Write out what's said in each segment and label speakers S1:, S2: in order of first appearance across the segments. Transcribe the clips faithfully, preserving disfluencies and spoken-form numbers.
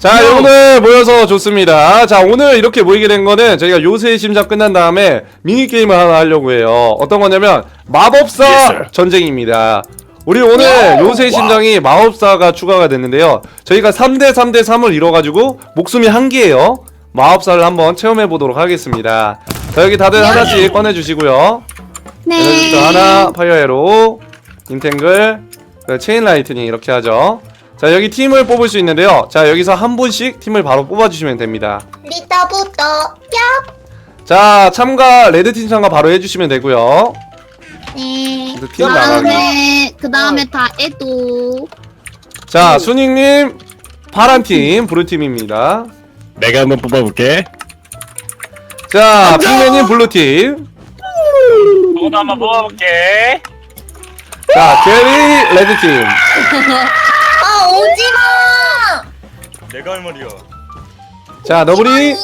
S1: 자, 오늘 모여서 좋습니다. 자, 오늘 이렇게 모이게 된 거는 저희가 요새 심장 끝난 다음에 미니게임을 하나 하려고 해요. 어떤 거냐면 마법사
S2: Yes,
S1: 전쟁입니다. 우리 오늘 요새 심장이 마법사가 추가가 됐는데요. 저희가 삼 대 삼 대 삼을 이뤄가지고 목숨이 한 개예요. 마법사를 한번 체험해 보도록 하겠습니다. 자, 여기 다들 하나씩 꺼내주시고요.
S3: 네.
S1: 하나, 파이어에로, 인탱글, 체인 라이트닝 이렇게 하죠. 자, 여기 팀을 뽑을 수 있는데요. 자, 여기서 한 분씩 팀을 바로 뽑아주시면 됩니다.
S3: 리타부터 얍.
S1: 자, 참가 레드팀 참가 바로 해주시면 되고요.
S3: 네.
S1: 그 팀 나가기.
S3: 그다음에 그다음에 다 에도.
S1: 자, 순익님 파란팀 브루팀입니다.
S2: 내가 한번 뽑아볼게.
S1: 자, 핑맨님 블루팀.
S4: 저도 한번 뽑아볼게.
S1: 자, 게리 레드팀.
S3: 아 오지마.
S4: 내가 할 말이야.
S1: 자, 너브리.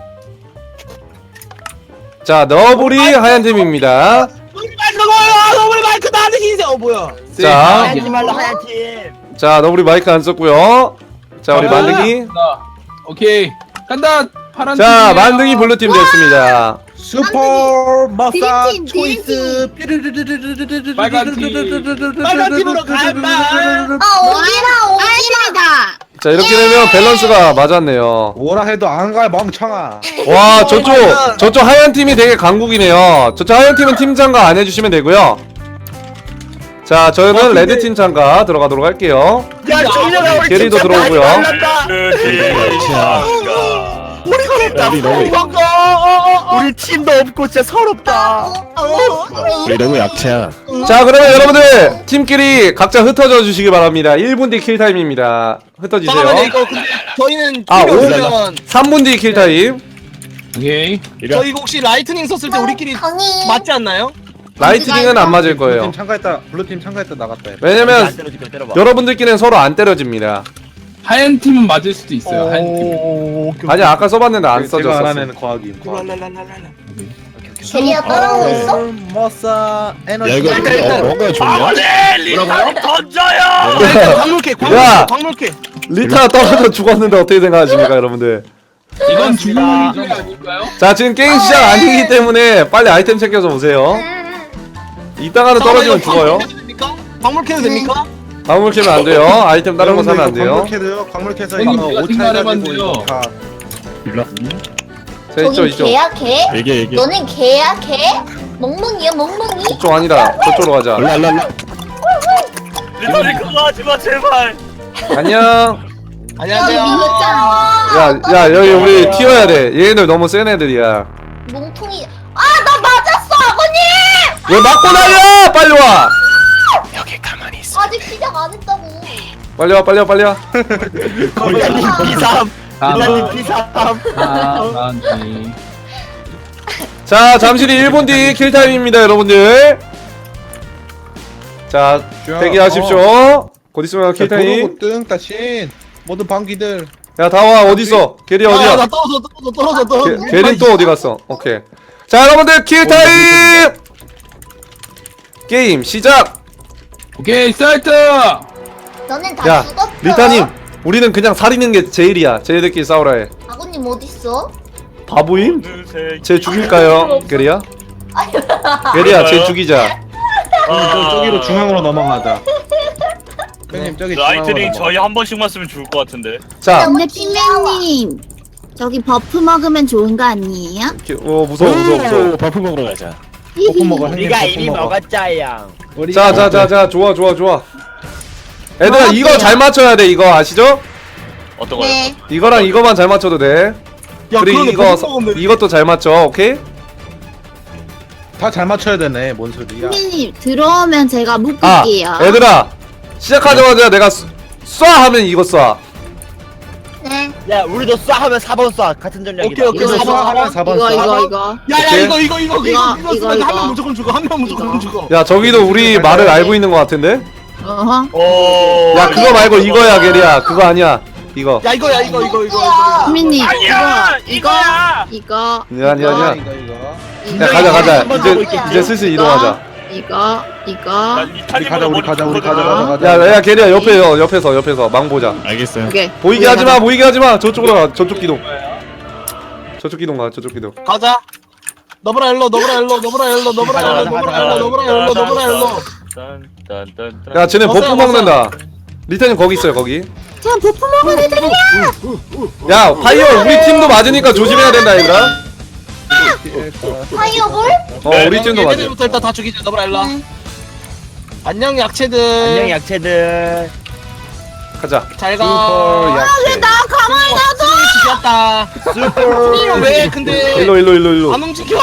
S1: 자, 너브리 하얀팀입니다.
S5: 너블 마이크 나한테 흰색. 어 뭐야?
S1: 자,
S5: 하지 말라 하얀 팀.
S1: 자, 너브리 마이크 안 썼고요. 자, 우리 만드기.
S6: 오케이 간다. 파란
S1: 자,
S6: 팀이에요.
S1: 만드기 블루팀 됐습니다.
S5: 슈퍼 마사
S3: 드림팀,
S5: 초이스
S6: 빨간 팀.
S5: 빨간 팀으로 갈마.
S3: 아 오지마 오지마다.
S1: 자, 이렇게 되면 밸런스가 맞았네요.
S7: 뭐라 해도 안 갈 멍청아.
S1: 와, 저쪽 저쪽 하얀 팀이 되게 강국이네요. 저쪽 하얀 팀은 팀 참가 안 해주시면 되고요. 자, 저는 레드 팀 참가 들어가도록 할게요.
S5: 야 정렬아 우리
S1: 게리도
S5: 팀
S1: 들어오고요.
S5: 잘한다. 우리 서럽다.
S2: 우리 너무
S5: 우리 팀도 없고 진짜 서럽다.
S2: 우리 너무 약체야.
S1: 자, 그러면 여러분들 팀끼리 각자 흩어져 주시기 바랍니다. 일 분 뒤 킬타임입니다. 흩어지세요.
S5: 잠깐만요 이거 근데 저희는
S1: 아,
S5: 팀이
S1: 오.
S5: 없으면
S1: 삼 분 뒤 킬타임.
S6: 오케이.
S2: 이리
S5: 저희 이거 혹시 라이트닝 썼을 때 우리끼리
S3: 강이.
S5: 맞지 않나요?
S1: 라이트닝은 안 맞을 거예요.
S7: 블루팀 참가했다. 블루팀 참가했다 나갔다.
S1: 왜냐면 여러분들끼리는 서로 안 때려집니다.
S6: 하얀 팀은 맞을 수도 있어요. 하얀 팀.
S5: 오.
S1: 아니, 아까 써봤는데 안
S7: 제가
S1: 써졌어.
S7: 알아내는 과학임. 과학.
S3: 게리야 따라오고 있어?
S7: 머싸
S2: 야
S7: 에너지.
S2: 이거 어, 뭔가 좋냐?
S4: 네, 리타를 던져요.
S5: 광물캐
S1: 야!
S5: 광물캐 광물캐.
S1: 리타 떨어져 죽었는데 어떻게 생각하십니까, 여러분들?
S6: 이건 죽음의 일이 아닐까요?
S1: 자, 지금 게임 시작 아니기 때문에 빨리 아이템 챙겨서 오세요. 이따가는 떨어지면 죽어요.
S5: 광물캐도 됩니까?
S1: 광물 캐면 안 돼요. 아이템 다른 거 사면 안 돼요.
S7: 광물캐도요. 광물캐서
S6: 형님,
S7: 이거
S6: 제가
S7: 오차
S6: 생각해봤는데요.
S7: 해가지고 이거 다.
S2: 일로.
S1: 자, 있죠,
S3: 저기
S1: 있죠.
S3: 개야 개?
S2: 얘기해 얘기해.
S3: 너는 개야 개? 멍멍이야 멍멍이?
S1: 이쪽 아니라 저쪽으로 가자.
S2: 일로 일로 일로.
S4: 리타를 그거 하지 마 제발.
S1: 안녕.
S5: 안녕하세요.
S1: 야, 야, 여기 우리 튀어야 돼. 얘네들 너무 센 애들이야.
S3: 몽통이. 아 나 맞았어 아버님.
S1: 왜 맞고 날려? 빨리 와.
S3: 아직 시작 안 했다고.
S1: 빨리 와, 빨리 와, 빨리 와.
S5: 걸려님 비삼.
S6: 다음.
S5: 빌라님 비삼.
S6: 파란 팀.
S1: 자, 잠시 뒤 일 분 뒤 킬타임입니다, 여러분들. 자, 대기하십시오. 곧 있으면 킬타임.
S7: 도로고 뜬 따신 모든 방귀들.
S1: 야, 다와 어딨어? 게리
S5: 아, 나
S1: 어디야?
S5: 떨어져 떨어져 떨어져 떨어져.
S1: 게, 게리 또 어디 갔어? 오케이. 자, 여러분들 킬타임. 게임 시작.
S6: 오케이 스타트.
S3: 너는 다
S1: 야,
S3: 죽었어.
S1: 리타님, 우리는 그냥 살리는 게 제일이야. 쟤네들끼리 싸우라 해.
S3: 아버님 어딨어?
S1: 바보임?
S4: 어느새
S1: 쟤 죽일까요, 게리야? 게리야, 쟤 죽이자.
S7: 형님 저 저기로 중앙으로 넘어가자. 형님 저기 중앙으로
S4: 라이트닝
S7: 넘어가.
S4: 저희 한 번씩만 쓰면 좋을 것 같은데.
S1: 자,
S3: 근데 핑맨님 저기 버프 먹으면 좋은 거 아니에요?
S1: 기- 어 무서워, 무서워, 무서워.
S2: 버프 먹으러 가자.
S7: 버프 먹어. 형님
S5: 우리가
S7: 버프
S5: 이미
S7: 먹어.
S5: 먹었자양.
S1: 자, 자, 자, 자, 좋아, 좋아, 좋아. 애들아, 이거 잘 맞춰야 돼. 이거 아시죠?
S4: 어떤 거요?
S3: 네.
S1: 이거랑 이거만 잘 맞춰도 돼.
S5: 야
S1: 그리고
S5: 그러네,
S1: 이거
S5: 버프 먹으면
S1: 이것도 잘 맞춰. 오케이?
S7: 다 잘 맞춰야 되네. 뭔 소리야?
S3: 핑맨님 들어오면 제가
S1: 아,
S3: 묶을게요.
S1: 얘들아, 시작하자마자 내가 쏴, 쏴 하면 이거 쏴.
S3: 네.
S8: 야 우리도 쏴 하면 사 번 쏴 같은 전략이다.
S5: 오케이 오케이.
S7: 그래서
S5: 사 번, 사 번.
S7: 사 번
S3: 이거
S7: 쏴.
S3: 이거 이거.
S5: 야야
S1: 오케이.
S5: 이거 이거 이거 이거
S3: 이거,
S5: 이거
S3: 이거,
S5: 한
S3: 이거.
S5: 명 무조건 죽어. 한 명 무조건 죽어.
S1: 야, 저기도 우리 말을 알고 있는 것 같은데?
S3: 어허.
S4: 오.
S1: 야, 그거 말고 이거야, 게리야. 그거 아니야. 이거.
S5: 야 이거야 이거 이거 이거.
S3: 핑맨님
S4: 아니야,
S3: 이거
S4: 이거야.
S3: 이거
S1: 아니야, 아니야, 아니야.
S7: 이거 이거.
S1: 야, 가자, 가자.
S5: 한번
S1: 이제,
S5: 더 볼게.
S1: 이제 슬슬 이동하자.
S3: 이거 이거
S4: 난
S7: 우리
S4: 이탄이보다
S7: 가자 우리
S4: 머리
S7: 가자 우리 가자
S4: 좋거든.
S7: 가자 가자.
S1: 야야 게리야 옆에 어, 옆에서 옆에서 망 보자.
S2: 알겠어요.
S3: 오케이
S1: 보이게 하지 마 보이게 하지 마. 저쪽으로 가 저쪽 기동. 저쪽 기동 가 저쪽 기동.
S5: 가자. 너브라 일로 너브라 일로 너브라 일로 너브라 일로 너브라 일로 너브라 일로 너브라 일로.
S4: 딴딴딴딴.
S1: 야 쟤네 버프
S5: 벗어요,
S1: 먹는다. 리타님 거기 있어요 거기.
S3: 그냥 버프 먹은 애들이야
S1: 야 파이어 우리 팀도 맞으니까 조심해야 된다 얘들아.
S3: 파이어볼?
S1: 어 우리 팀도 맞아.
S5: 얘네들부터 일단 다 죽이자. 너브라 일로.
S3: 네.
S5: 안녕 약체들.
S8: 안녕 약체들.
S1: 가자.
S5: 잘 가.
S7: 슈퍼 약체.
S3: 나 가만히 놔둬
S5: 죽였다.
S8: 슈퍼.
S5: 왜 근데
S1: 일로 일로 일로 일로.
S5: 안 움직여?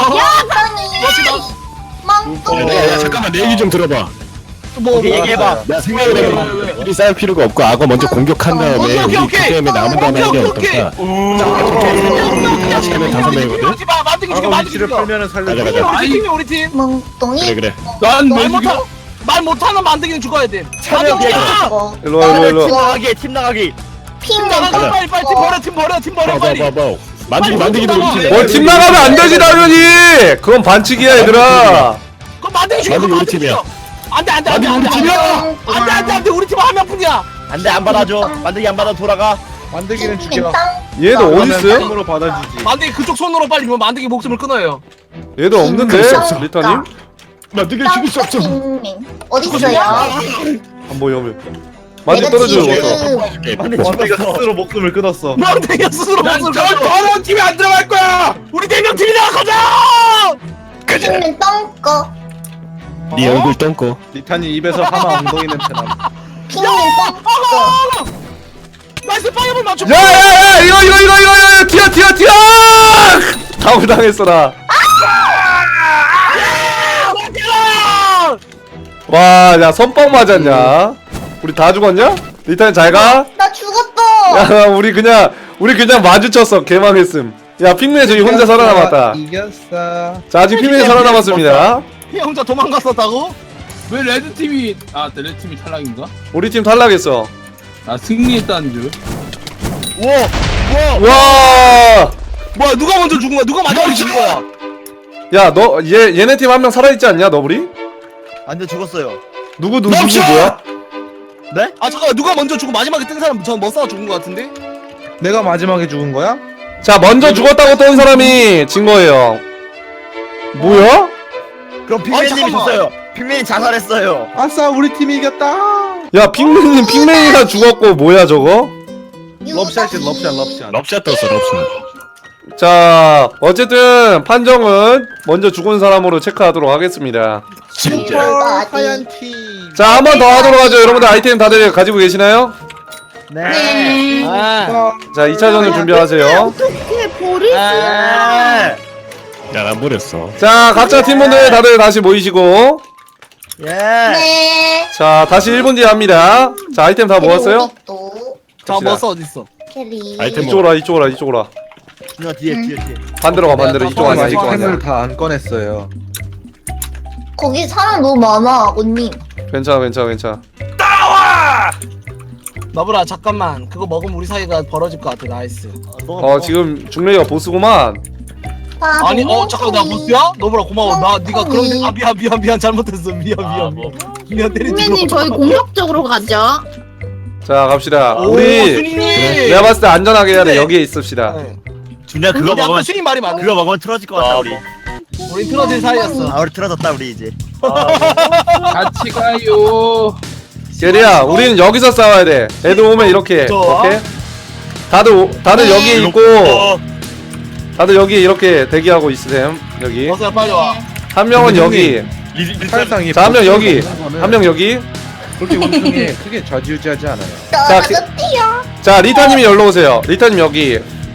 S3: 멍뚱이
S2: 야, 야, 잠깐만 내 얘기 좀 들어봐.
S5: 뭐
S8: 오케이, 얘기해봐.
S2: 나 생각을 해봐. 우리 싸울 필요가 없고 악어 먼저 공격한 다음에
S5: 오케이,
S2: 우리
S5: 오케이,
S2: 그 때문에 남은 다음에 하는 게
S5: 오케이,
S2: 어떨까? 자, 처음에 다섯 명이거든.
S5: 하지 마. 만들기 죽여.
S7: 아까
S5: 만들기
S7: 위치를
S5: 죽여.
S7: 풀면은
S2: 가자
S7: 살려줘.
S2: 가자.
S5: 우리 팀이 우리 팀.
S3: 멍뚱이
S2: 그래 그래.
S6: 난왜
S5: 말 못하
S6: 죽여?
S5: 말 못하는 만들기는 죽어야 돼.
S8: 차려,
S5: 만들기
S8: 얘들아.
S5: 죽여.
S1: 일로 와 일로
S8: 팀
S1: 일로.
S8: 나가기 팀 나가기.
S5: 팀 나가
S2: 가자.
S5: 빨리 빨리 팀 버려 팀 버려 팀 버려 빨리.
S2: 봐봐봐봐. 만들기 만들기도
S5: 빨리
S2: 우리 팀.
S1: 어 팀 나가면 안 되지 당연히. 그건 반칙이야 얘들아.
S5: 그럼 만들기 죽여.
S2: 만들기 우리
S5: 만들기
S2: 팀이야.
S5: 죽여. 안돼 안돼 안돼
S2: 만들기
S5: 안돼
S2: 우리
S5: 안돼 안돼 안돼 안돼 우리 팀 한 명뿐이야.
S8: 안돼 안 받아줘. 만들기 안 받아 돌아가.
S7: 만들기는 죽여.
S1: 얘도 어디
S7: 그러면
S1: 있어요?
S7: 팀으로 받아주지.
S5: 만들기 그쪽 손으로 빨리 이거 만들기 목숨을 끊어요.
S1: 얘도 없는데 리타님?
S2: 만들기 죽일 수 없어.
S3: 어디 있어요?
S1: 안 보여 안 보여. 만지 떨어져요 어서.
S8: 만들기
S7: 만들기가
S8: 죽었어.
S7: 스스로 목숨을 끊었어.
S5: 만들기가 스스로 목숨을
S6: 난저
S5: 끊어.
S6: 더러운 팀에 안 들어갈 거야.
S5: 우리 네 명 팀이 나가자.
S3: 핑맨 똥꺼
S2: 네 얼굴 똥꼬.
S7: 리탄이 입에서 하마 엉덩이 냄새 나.
S3: 핑맨 똥꺼
S5: 나이스 파이어볼 맞춰.
S1: 야야야 이거 이거 이거 이거 이거 튀어 튀어 튀어. 다운 당했어라. 와, 야 선빵 맞았냐? 우리 다 죽었냐? 리타님 잘 가.
S3: 나 죽었어
S1: 야, 우리 그냥 우리 그냥 마주쳤어. 개망했음. 야, 핑맨 저기 혼자 살아남았다.
S7: 이겼어.
S1: 자, 아직 핑맨이 살아남았습니다.
S5: 형 혼자 도망갔었다고?
S6: 왜 레드 팀이 아 레드 팀이 탈락인가?
S1: 우리 팀 탈락했어.
S6: 나 승리했다는 줄.
S5: 우와.
S1: 와,
S5: 뭐야 누가 먼저 죽은 거야? 누가 마지막에 죽은 거야?
S1: 야, 너 얘 얘네 팀 한 명 살아있지 않냐, 너구리?
S8: 안돼 죽었어요.
S1: 누구 누구 누구 뭐야?
S8: 네?
S5: 아 잠깐만 누가 먼저 죽고 마지막에 뜬 사람 전 머싸가 죽은 거 같은데?
S7: 내가 마지막에 죽은 거야?
S1: 자, 먼저 죽었다고 뜬 사람이 진 거예요. 뭐야?
S8: 그럼 빅맨님이
S5: 잠깐만.
S8: 졌어요. 빅맨이 자살했어요.
S7: 아싸 우리 팀이 이겼다.
S1: 야, 핑맨님 핑맨이가 죽었고 뭐야 저거?
S7: 럽샷이 럽샷 럽샷.
S2: 럽샷 떴어 럽샷.
S1: 자, 어쨌든 판정은 먼저 죽은 사람으로 체크하도록 하겠습니다.
S2: 진짜.
S7: 하얀 팀.
S1: 자, 한 번 더 하도록 하죠. 여러분들 아이템 다들 가지고 계시나요?
S8: 네. 아.
S1: 자, 이 차전을 준비하세요.
S3: 어떻게 버릴 수야
S8: 아.
S2: 야난 버렸어.
S1: 자, 각자 팀분들 다들 다시 모이시고.
S8: 예.
S3: 네
S1: 자, 다시 일 분 뒤에 합니다. 자, 아이템 다 모았어요?
S3: 또
S5: 자
S1: 갑시다.
S5: 머싸 어디 있어?
S3: 캐리
S2: 아이템
S1: 이쪽으로 와, 이쪽으로 와, 이쪽으로 와.
S8: 누나 뒤에 뒤에 뒤에.
S1: 반대로 가, 반대로. 이쪽 아니야, 이쪽 아니야.
S7: 아이템을 다 안 꺼냈어요.
S3: 거기 사람 너무 많아 언니
S1: 괜찮아, 괜찮아, 괜찮아.
S5: 나보라 잠깐만 그거 먹으면 우리 사이가 벌어질 것 같아. 나이스.
S1: 어, 지금 중레이가 보스구만.
S3: 아,
S5: 아니
S3: 너무
S5: 어 잠깐 나
S3: 좋니?
S5: 보스야? 너보라 고마워. 나 네가 그런
S3: 음.
S5: 아 미안 미안 미안 잘못했어. 미안
S4: 아,
S5: 미안
S4: 뭐.
S5: 미안. 미안 때리지
S3: 핑맨님
S5: 마.
S3: 저희 공격적으로 가죠
S1: 자, 갑시다.
S5: 오,
S1: 우리
S5: 순이.
S1: 내가 봤을 때 안전하게 해야 돼.
S5: 근데-
S1: 여기에 있읍시다.
S5: 네.
S8: 준야 그거
S5: 근데 아까
S8: 먹으면
S5: 순이 말이 많네.
S8: 그거 먹으면 틀어질 것 같다
S4: 아,
S8: 우리.
S4: 뭐.
S5: 우린 틀어질 사이였어.
S8: 아 우리 틀어졌다 우리 이제.
S6: 같이 가요.
S1: 게리야, 우리는 여기서 싸워야 돼. 애들 오면 이렇게.
S5: 좋아.
S1: 오케이? 다들 오- 다들 여기에 있고
S4: 어,
S1: 다들 여기 이렇게 대기하고 있으셈. 여기.
S5: 머싸야 빨리 와.
S1: 한 명은 여기.
S4: 리- 리-
S7: 사실상 이
S1: 자, 한 명 여기.
S7: 거는
S1: 한 명 여기.
S7: 그렇게 우승에 크게 좌지우지하지 않아요.
S1: 자, 기-
S3: 떨어졌대요
S1: 자, 리타님이 여기로 오세요. 리타님 여기.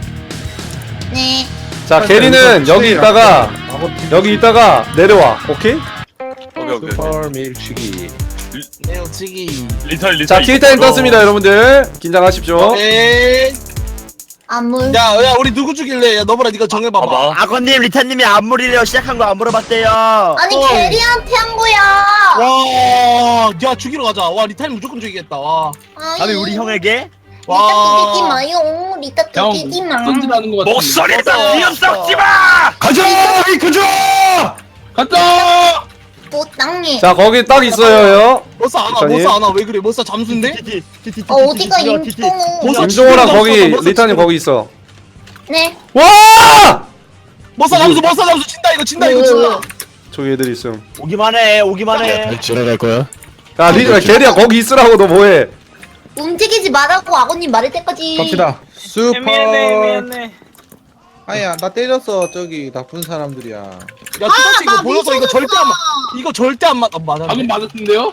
S3: 네
S1: 자, 게리는 여기 있다가 여기 있다가 내려와. 오케이?
S4: 오케이 오케이.
S7: 슈퍼 밀치기.
S5: 내우치기.
S4: 리털 리털.
S1: 자, 킬타임 떴습니다, 여러분들. 긴장하십시오.
S5: 에이.
S3: 안물
S5: 야, 야, 우리 누구 죽일래? 야, 너보라 네가 정해봐봐.
S4: 봐봐.
S8: 아버님 리타님이 안물이래요. 시작한 거 안 물어봤대요.
S3: 아니
S5: 어.
S3: 캐리한테 한 거야
S5: 와, 야 죽이러 가자. 와, 리타임 무조건 죽이겠다. 와,
S8: 감히 우리 형에게?
S3: 리타 뚜기지
S5: 와.
S3: 마요 리타
S6: 형
S3: 뚜기지 마
S6: 던지라는 거 같아.
S4: 목소리에다 비염 섞지 마.
S2: 가자 가자.
S6: 갔다.
S3: 땅에.
S1: 자 거기 딱 있어요.
S5: 못사 안와
S1: 리타님.
S5: 못사 안와 왜 그래 못사 잠수인데?
S8: 티티 티티
S3: 어 어디가 임종호?
S5: 벌써
S1: 임종호랑
S5: 죽였어,
S1: 거기
S5: 벌써
S1: 리타님
S5: 죽였어.
S1: 거기 있어.
S3: 네.
S1: 와!
S5: 못사 잠수 못사 잠수 친다 이거 친다 이거 친다.
S1: 저기 애들 있음.
S8: 오기만 해 오기만 해.
S2: 지나갈 거야.
S1: 야 리타 게리야 거기 있으라고 너 뭐해?
S3: 움직이지 말라고 아버님 말할 때까지.
S7: 갑시다. 슈퍼.
S4: 미안해 미안해.
S7: 아야 나 때렸어 저기 나쁜 사람들이야.
S5: 야 투더치 이거
S3: 나
S5: 보여서 이거
S3: 미쳐졌어.
S5: 절대 안 맞. 이거 절대 안 맞. 아, 맞아.
S6: 방금 맞았는데요?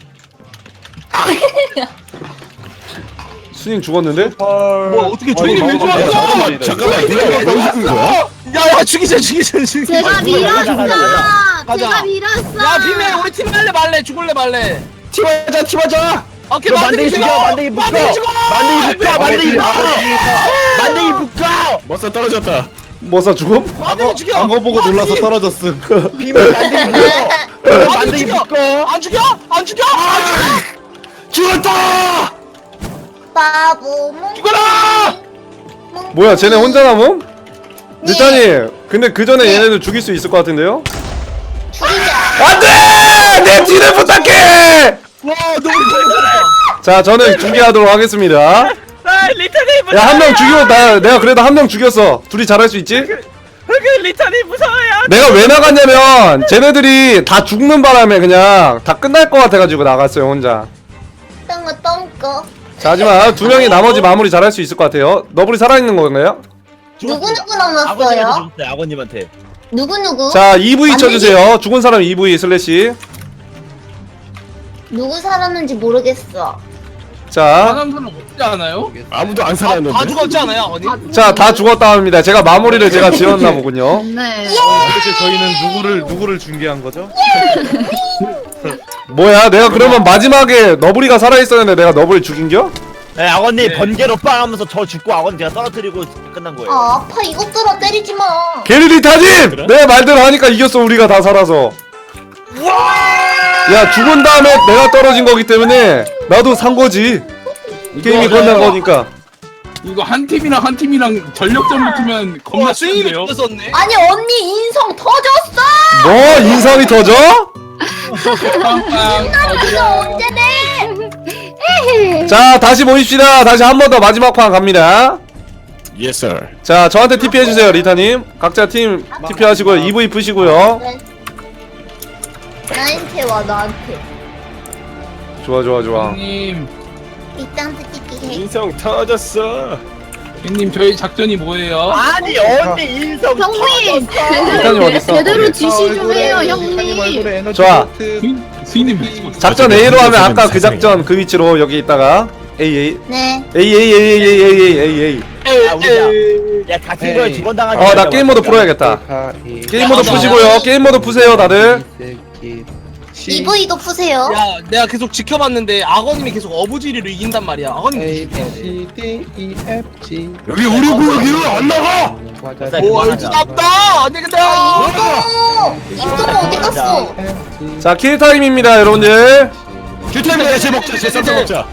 S1: 수님 죽었는데?
S5: 뭐 어떻게
S6: 주인이 왜
S5: 죽어?
S6: 죽었어?
S2: 잠깐만 잠깐만 내가 왜 죽은 거야?
S5: 야야 죽이자 죽이자 죽이자.
S3: 제가 밀었어.
S5: 가자.
S3: 제가 밀었어.
S5: 야 비메 우리 팀 할래 말래 죽을래 말래.
S2: 팀하자 팀하자.
S5: 오케이
S8: 너
S5: 만들기
S8: 만들기
S5: 죽여.
S8: 죽여, 만들기 묶어.
S5: 만들기 죽어.
S8: 만들기 묶어 만들기 묶어. 만들기 묶어.
S2: 머싸 떨어졌다.
S1: 뭐사 죽음?
S5: 만들기 죽여.
S7: 악어 보고 놀라서 떨어졌음.
S8: 비밀 만들기 묶어. 만들기 묶어.
S5: 안 죽여? 안 죽여? 안 죽여?
S2: 죽었다.
S3: 바보 몽.
S5: 죽어라!
S1: 뭐야 쟤네 혼자 남음?
S3: 네.
S1: 리타님 근데 그 전에 얘네들 죽일 수 있을 것 같은데요?
S3: 죽이자.
S1: 안돼! 내 뒤를 부탁해!
S5: 와 너무 잘했다.
S1: 자 저는 중계하도록 하겠습니다.
S4: 아 리타님
S1: 야 한 명
S4: 무서워요.
S1: 죽이고 나 내가 그래도 한 명 죽였어. 둘이 잘할 수 있지?
S4: 그 리타님 무서워요.
S1: 내가 왜 나갔냐면 쟤네들이 다 죽는 바람에 그냥 다 끝날 것 같아가지고 나갔어요 혼자.
S3: 똥거 똥거.
S1: 자 하지만 두 명이 나머지 마무리 잘할 수 있을 것 같아요. 너블이 살아있는 건가요?
S3: 누구 누구
S8: 아버님한테
S3: 남았어요?
S8: 죽었어요 아버님한테.
S3: 누구 누구?
S1: 자 이브이
S3: 안
S1: 쳐주세요. 죽은 사람 이브이 슬래시.
S3: 누구 살았는지 모르겠어.
S1: 자,
S6: 사람 사람 없지 않아요?
S2: 아무도 안
S5: 다,
S2: 살아있는데.
S5: 다 죽었지 않아요 아버님?
S1: 자 다 죽었다 합니다. 제가 마무리를 제가 지었나 보군요.
S3: 네.
S7: 도대체 저희는 누구를 누구를 중계한 거죠?
S1: 뭐야 내가 그러면 마지막에 너블이가 살아있었는데 내가 너블 죽인겨?
S8: 네 아버님 번개로 빵 하면서 저 죽고 아버님 제가 떨어뜨리고 끝난 거예요.
S3: 아 아파 이것들아 때리지 마.
S1: 게리리타님! 내 말대로 하니까 이겼어 우리가 다 살아서. 야 죽은 다음에 내가 떨어진 거기 때문에 나도 산 거지. 게임이 끝난 거니까.
S6: 이거 한 팀이랑 한 팀이랑 전력전 붙으면 겁나
S5: 와 스윙이
S6: 치는데요?
S5: 죽었네.
S3: 아니 언니 인성 터졌어.
S1: 뭐 인성이 터져?
S6: 빵빵
S3: 이거 언제 내?
S1: 자 다시 모입시다. 다시 한 번 더 마지막 판 갑니다.
S2: Yes sir.
S1: 자 저한테 티피 해주세요 리타님. 각자 팀 티피 하시고요. 이브이 푸시고요.
S3: 나한테 와 나한테.
S1: 좋아 좋아 좋아.
S6: 형님
S3: 이땅 뜯기 해.
S2: 인성 터졌어.
S6: 형님 저희 작전이 뭐예요?
S8: 아니 언니 인성
S3: 형님
S1: 리타님 어딨어?
S3: 제대로 지시 좀 해요 형님.
S7: 형님.
S1: 좋아.
S6: 수인- 수인님 미치고
S1: 작전 A로 하면 아까 그 작전 그 위치로 여기 있다가 A A
S3: 네.
S1: A A A A A A A A.
S8: 아 우리야. 야 같은 거에
S7: 에이.
S8: 두번 당하지.
S1: 어 나
S8: 말자,
S1: 게임 모드
S8: 우리가.
S1: 풀어야겠다. 게임 모드
S5: 맞아.
S1: 푸시고요. 게임 모드 푸세요 다들.
S3: 이브이도 푸세요.
S5: 야 내가 계속 지켜봤는데 악어님이 계속 어부지리로 이긴단 말이야. 악어님
S7: A B C D E F G.
S2: 여기 우리 구역이로 안 나가.
S8: 맞아,
S5: 오
S8: 그만하자.
S5: 무섭다. 아니 근데
S3: 아 임동호 임동호 어디 갔어?
S1: 자 킬 타임입니다 여러분들.
S2: 큐타임에 제 먹자. 제 쌈싸 먹자.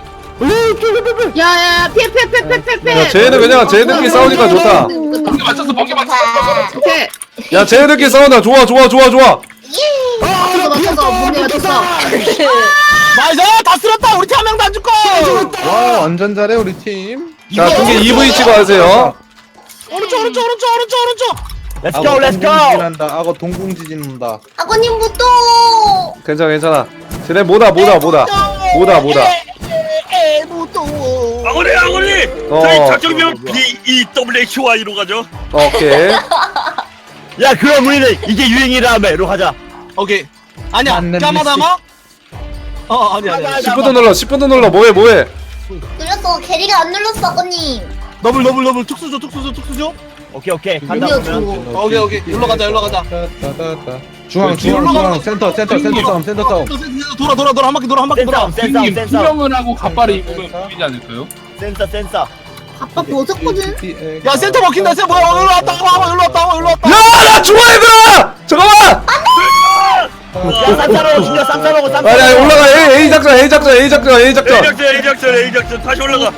S3: 야야 피해 피해 피해 피해 피해 피해.
S1: 야 쟤네들 그냥 쟤네들끼리 싸우니까 좋다.
S6: 번개 맞췄어 번개 맞췄어
S3: 오케이.
S1: 야 쟤네들끼리 싸운다. 좋아 좋아 좋아 좋아.
S3: 맞췄어 맞췄어 문제 맞췄어.
S5: 나이스 다 쓸었다. 우리 팀 한 명도 안 죽고.
S7: 와 완전 잘해 우리 팀.
S1: 자 중계 이브이 치고 하세요.
S5: 오른쪽 오른쪽 오른쪽 오른쪽 오른쪽.
S8: Let's go, let's go.
S7: 한다. 악어 동공지진 온다.
S3: 아버님 무도.
S1: 괜찮아 괜찮아. 쟤네 뭐다 뭐다 뭐다 뭐다 뭐다.
S5: 에 무도.
S4: 아구리 아구리.
S1: 어.
S4: 저희 작전명 B E W H Y로 가죠.
S1: 오케이.
S8: 야 그럼 우리는 이게 유행이라며로 가자.
S5: 오케이. 아니야.
S7: 만렙
S5: 까마다마? 어 아니 아니. 아니.
S1: 십 분도 눌러 십 분도 눌러 뭐해 뭐해.
S3: 눌렀어. 게리가 안 눌렀어 아버님.
S5: 더블 더블 더블 특수조 특수조 특수조.
S8: 오케이 오케이 간다
S3: 눌려줘.
S8: 그러면.
S5: 오케이 오케이. 일로 가자 일로 가자.
S7: 따따따따. 중앙
S5: 뒤로
S7: 중앙
S5: 올라가는
S7: 중앙 센터 센터 센터 싸움 센터 싸움.
S5: 돌아 돌아 돌아 한 바퀴 돌아 한 바퀴 돌아.
S8: 센싸움 센싸움
S6: 형님
S8: 센싸움
S6: 투명을 하고 갑바를 입으면 보이지 않을까요?
S8: 센싸 센싸.
S3: 아빠 벗었거든.
S5: 야 센터 먹힌다 센터 뭐야 일로 왔다 와봐 일로 왔다 와 일로 왔다.
S1: 야나 죽어 얘들아. 잠깐만.
S8: 야 쌈싸라고 죽여 쌈싸라고 쌈싸.
S1: 아니 아니 올라가 A A 작전 A 작전 A 작전 A
S4: A
S1: 작전.
S4: 작전 A 작전 A 작전 다시 올라가.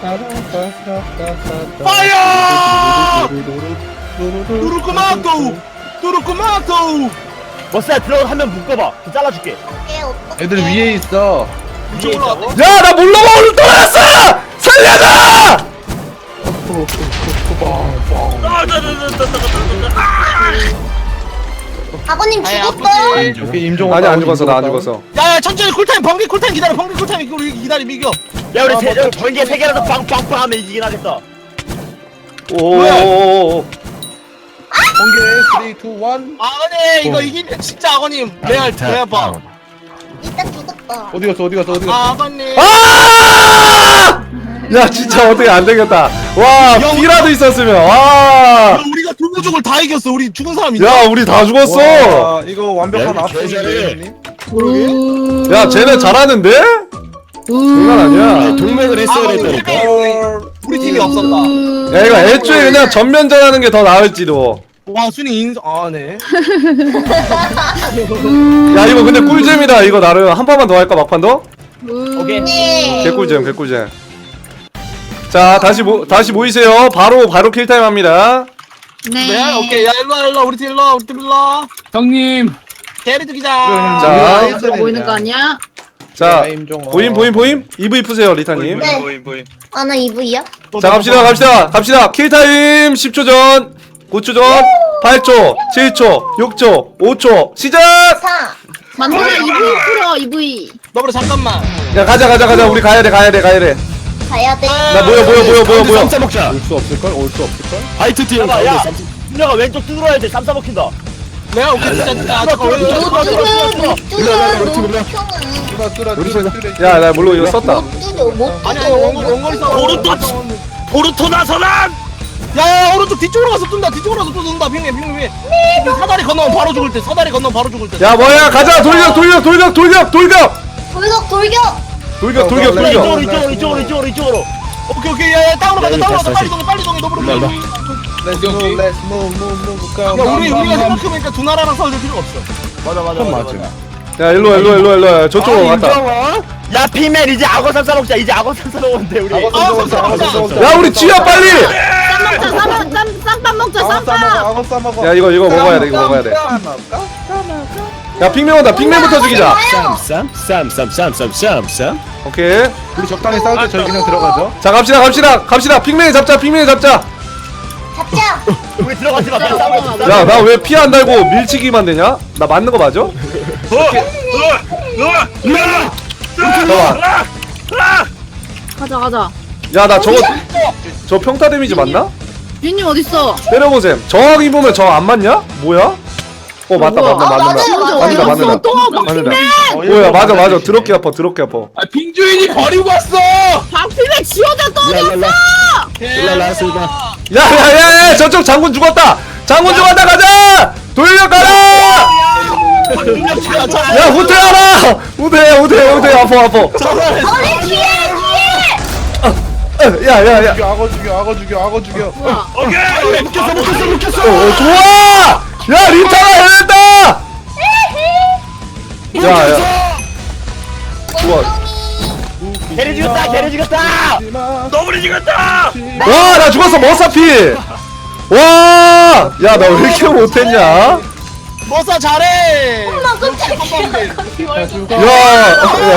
S5: 파이어! 누르꾸마토! 누르꾸마토!
S8: 머싸야 들어가 한 명 묶어봐. 그 잘라줄게.
S7: 애들 위에 있어.
S8: 위에 있다고?
S1: 야 나 몰라가 오늘 떨어졌어! 살려줘!
S3: 아버님
S5: 아이,
S3: 죽었어요?
S7: 오케이 임종.
S1: 아니 안 죽었어 나 안 죽었어.
S5: 야야 천천히 쿨타임 번개 쿨타임 기다려 번개 쿨타임 이거 우리 기다려 이겨.
S8: 야 우리 세, 여기 번개 세 개라도 빵빵빵 하면 이기긴 하겠다.
S1: 오오오오.
S7: 번개 삼, 이, 일.
S5: 아버님 이거 이기면 진짜 아버님 레알 레알 봐.
S3: 일단 죽었다.
S7: 어디 갔어? 어디 갔어? 어디 갔어?
S5: 아버님.
S1: 아! 야 진짜 어떻게 안 되겠다. 와 피라도 있었으면 와.
S5: 야, 우리가 두부족을 다 이겼어. 우리 죽은 사람 있나?
S1: 야 우리 다 죽었어.
S7: 와, 이거 완벽한
S2: 야,
S7: 압승인데.
S5: 그러게.
S1: 야 쟤네 잘하는데? 장난 아니야.
S2: 동맹을 했어야
S5: 아버님
S2: 됐다니까.
S5: 팀이- 우리 팀이 없었다.
S1: 야 이거 애초에 그냥 전면전하는 게 더 나을지도.
S5: 와 순위 인정. 아 네.
S1: 야 이거 근데 꿀잼이다. 이거 나름 한 판만 더 할까 막판 더?
S8: 오케이.
S3: 네.
S1: 개꿀잼 개꿀잼. 자 다시 모 다시 모이세요. 바로 바로 킬타임 합니다.
S3: 네.
S5: 네 오케이 야 일로 와 일로 와 우리 팀 일로 와 우리 팀 일로 와.
S6: 형님
S5: 대리 죽이자.
S1: 자.
S3: 보이는 거 아니야?
S1: 자
S7: 임종.
S1: 보임 보임 보임. 이브이 푸세요 리타님.
S3: 네.
S4: 보임 보임.
S3: 아 나 이브이야?
S1: 자 갑시다 갑시다 갑시다. 킬타임 십 초 전, 구 초 전, 팔 초, 칠 초, 육 초, 오 초 시작.
S3: 사. 만들어 이브이 풀어 이브이.
S5: 너보다 잠깐만.
S1: 야 가자 가자 가자. 우리 가야 돼 가야 돼 가야 돼.
S3: 가야 돼.
S1: 나 모여 모여 모여 모여 모여.
S2: 쌈싸 먹자.
S7: 올 수 없을걸? 올 수 없을걸?
S2: 화이트 팀
S8: 봐봐,
S2: 가운데
S8: 야.
S2: 쌈싸.
S8: 준혁아 왼쪽 뚫어야 돼. 쌈싸 먹힌다.
S5: 내가 오케이 진짜 진짜. 아, 잠깐
S8: 뚫어,
S5: 왜-
S8: 뚫어, 뚫어, 뚫어, 뚫어, 뚫어.
S3: 뚜드
S2: 뚫어, 뚫어.
S3: 뚜드
S7: 뚫어 뚫어 뚫어.
S1: 야 나 물론 이거 썼다.
S3: 못 뚜드 못
S5: 아니 아니 원거리 원거리 싸움.
S4: 오른쪽 보르토 나서란.
S5: 야야 오른쪽 뒤쪽으로 가서 뜬다. 뒤쪽으로 가서 또 뜬다. 핑계 핑계 핑계. 사다리 건너면 바로 죽을 때. 사다리 건너면 바로 죽을 때.
S1: 야 뭐야 가자. 돌격 돌격 돌격 돌격 돌격
S3: 돌격 돌격.
S1: 돌격 돌격
S8: 그래,
S1: 돌격.
S8: 이쪽으로 이쪽으로 이쪽으로 이쪽으로 이쪽으로.
S5: 오케이 오케이 야야 땅으로 가자.
S2: 야,
S5: 땅으로 가자.
S2: 다시,
S5: 빨리 동해 빨리 동해. 너보다
S2: 일로 와,
S5: 빨리.
S7: Let's move, let's move, move, move. Go.
S5: 야 우리 우리가 생각해보니까 두 나라랑 싸울 필요가 없어.
S8: 맞아 맞아 맞아. 맞아.
S1: 야 일로 일로 일로 일로 저쪽으로 갔다.
S8: 야 피맨 이제 악어 쌈싸 먹자. 이제 악어 쌈싸 먹는데 우리.
S7: 악어
S5: 아,
S7: 쌈싸 먹자, 악어 쌈싸 먹자.
S1: 야 우리 튀어 빨리.
S3: 쌈 먹자 쌈 쌈- 쌈밥 먹자
S7: 악어 싸먹어,
S3: 쌈밥.
S7: 악어 싸먹어.
S1: 야 이거 이거 먹어야 돼 이거 먹어야 돼. 야 핑맨 온다. 핑맨부터 죽이자.
S2: 쌈, 쌈, 쌈, 쌈, 쌈, 쌈, 쌈.
S1: 오케이.
S7: 우리 적당히 싸울 때 저희 그냥 들어가죠.
S1: 자 갑시다 갑시다 갑시다. 핑맨 잡자 핑맨 잡자.
S3: 잡자.
S8: 우리 들어가지 마. 그냥 싸우고 있어.
S1: 야 나 왜 피 안 달고 밀치기만 되냐? 나 맞는 거 맞아? 잠깐만.
S3: 가자 가자.
S1: 야 나 저거 저 평타 데미지 맞나?
S3: 윤님 어딨어?
S1: 때려보셈. 저항 입으면 저 안 맞냐? 뭐야? 어 맞다 맞다
S3: 아,
S1: 맞는다.
S3: 맞아요, 맞아요.
S1: 맞는다 맞는다.
S3: 또
S1: 맞는다. 뭐야 맞아 맞아. 더럽게 아파 더럽게 아파.
S6: 아 빙주인이 버리고 왔어.
S3: 박필맨 지원자 또 어딨어?
S2: 일라라스가.
S1: 야야야야 저쪽 장군 죽었다. 장군 죽었다 가자. 돌려가라. 야 후퇴하라. 후퇴 후퇴 후퇴 아파 아파.
S3: 어디 뒤에 뒤에.
S1: 야야야.
S7: 죽여, 악어 죽여, 악어 죽여, 악어 죽여.
S3: 뭐야?
S4: 오케이.
S2: 묶였어, 묶였어, 묶였어.
S1: 어 좋아. 야 린타가 해냈다. 야야. 좋아.
S8: 개리 죽였다. 개리 죽였다.
S4: 너블이 죽었다.
S1: 와 나 죽었어 머사피. 와. 야 나 왜 이렇게 못했냐?
S5: 머싸 잘해.
S3: 엄마 깜짝이야.
S1: 야.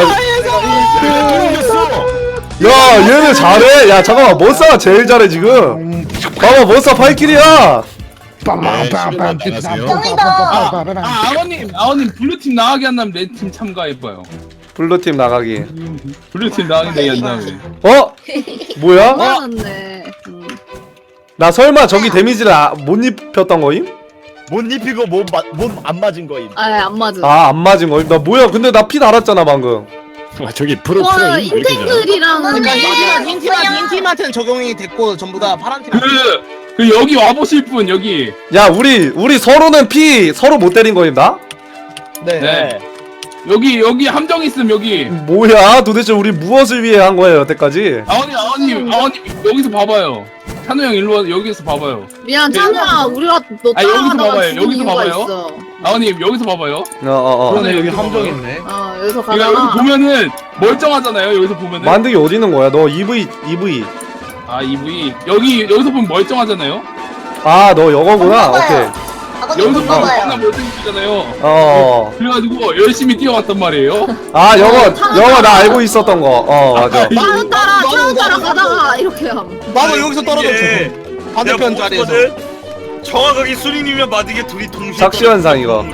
S1: 야, 야 얘네 잘해. 야 잠깐만 머사가 제일 잘해 지금. 봐봐 머사 팔킬이야.
S2: 빰빰빰빰.
S3: 정이다.
S6: 아 아버님 아버님 블루팀 나가게 한다면 내 팀 참가해봐요.
S1: 블루팀 나가기.
S6: 블루팀 나가게 내게 한다면.
S1: 어? 뭐야?
S3: 맞았네.
S1: 나 설마 저기 데미지를 아, 못 입혔던 거임?
S8: 못 입히고 몸안 맞은 거임.
S3: 아안 맞아.
S1: 아 안 맞은 거임? 나 뭐야? 근데 나 피 달았잖아 방금.
S2: 와, 저기 프로
S3: 와
S2: 프로 이거 이렇게 잘.
S3: 인탱들이랑
S5: 그러니까 흰팀한 흰팀한 흰팀한테는 적용이 됐고 전부 다 파란 팀.
S6: 그, 그 여기 와보실 분 여기.
S1: 야 우리 우리 서로는 피 서로 못 때린 거임 나?
S5: 네.
S6: 네. 여기 여기 함정 있음 여기.
S1: 뭐야? 도대체 우리 무엇을 위해 한 거예요 여태까지?
S6: 아버님 아버님 아버님 여기서 봐봐요. 찬우 형 일로 와 여기서 봐봐요.
S3: 미안 찬우야 우리가 너
S6: 아, 여기서
S3: 따라가다가
S6: 봐봐요,
S3: 죽은
S6: 여기서
S3: 이유가
S6: 봐봐요.
S3: 있어.
S6: 아버님 여기서 봐봐요.
S1: 어어 어.
S7: 그러네, 여기
S6: 여기서
S7: 함정
S6: 봐봐요.
S7: 있네.
S3: 어 여기서
S6: 그러니까 여기서
S3: 가다가
S6: 보면은 멀쩡하잖아요. 여기서 보면은.
S1: 만드기 어디 있는 거야? 너 이브이 이브이.
S6: 아 이브이 여기 여기서 보면 멀쩡하잖아요.
S1: 아 너 여거구나. 오케이.
S9: 아버님
S6: 여기서
S9: 불러봐요.
S6: 만나 못생기잖아요.
S1: 어.
S6: 그래가지고 열심히 뛰어왔단 말이에요.
S1: 아 영어 영어 나 알고 있었던 거. 어 맞아.
S3: 차로 따라 차로 따라 가다가 이렇게 함.
S5: 나도 여기서 떨어졌어. 반대편
S4: 내가
S5: 자리에서.
S4: 보거든? 정확하게 순이님이랑 마디게 둘이 동시에
S1: 삭시현상 이거.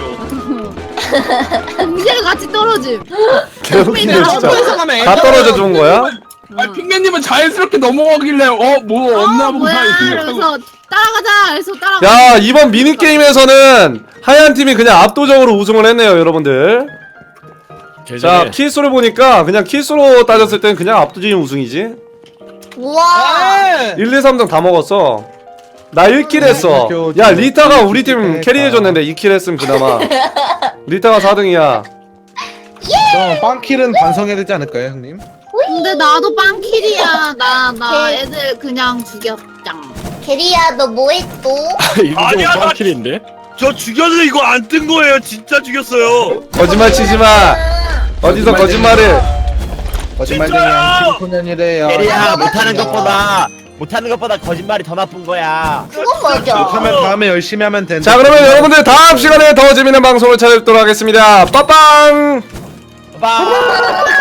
S3: 동시에 같이 떨어짐.
S1: 개웃기네 진짜.
S5: 점프해서 가면
S1: 다 떨어져 준 거야?
S6: 아 핑맨님은 자연스럽게 넘어가길래 어뭐 없나
S3: 어,
S6: 보다
S3: 뭐야?
S6: 이렇게
S3: 그래서
S6: 생각하고.
S3: 따라가자. 그래서 따라가.
S1: 야 이번 미니 게임에서는 하얀 팀이 그냥 압도적으로 우승을 했네요 여러분들. 자 킬수를 보니까 그냥 킬수로 따졌을 땐 그냥 압도적인 우승이지.
S9: 우와.
S1: 일, 이, 삼 등 다 먹었어. 나 일 킬 했어. 야 리타가 우리 팀 캐리해줬는데 이 킬 했으면 그나마. 리타가 사 등이야.
S7: 그럼 빵킬은 반성해야 되지 않을까요 형님?
S3: 근데 나도 빵킬이야. 나 나 애들 그냥 죽였짱.
S9: 게리야 너 뭐해 또?
S4: 아니야, 나-
S2: 킬인데?
S4: 저 죽였는데 이거 안 뜬 거예요. 진짜 죽였어요.
S1: 거짓말 치지마. 어디서 거짓말을.
S7: 거짓말쟁이야 칠소년이래요.
S8: 게리야 못하는 것보다 못하는 것보다 거짓말이 더 나쁜 거야.
S9: 그건 맞아.
S7: 하면 다음에 열심히 하면 된다.
S1: 자 그러면 여러분들 다음 시간에 더 재밌는 방송을 찾아뵙도록 하겠습니다. 빠빵.
S8: 빠.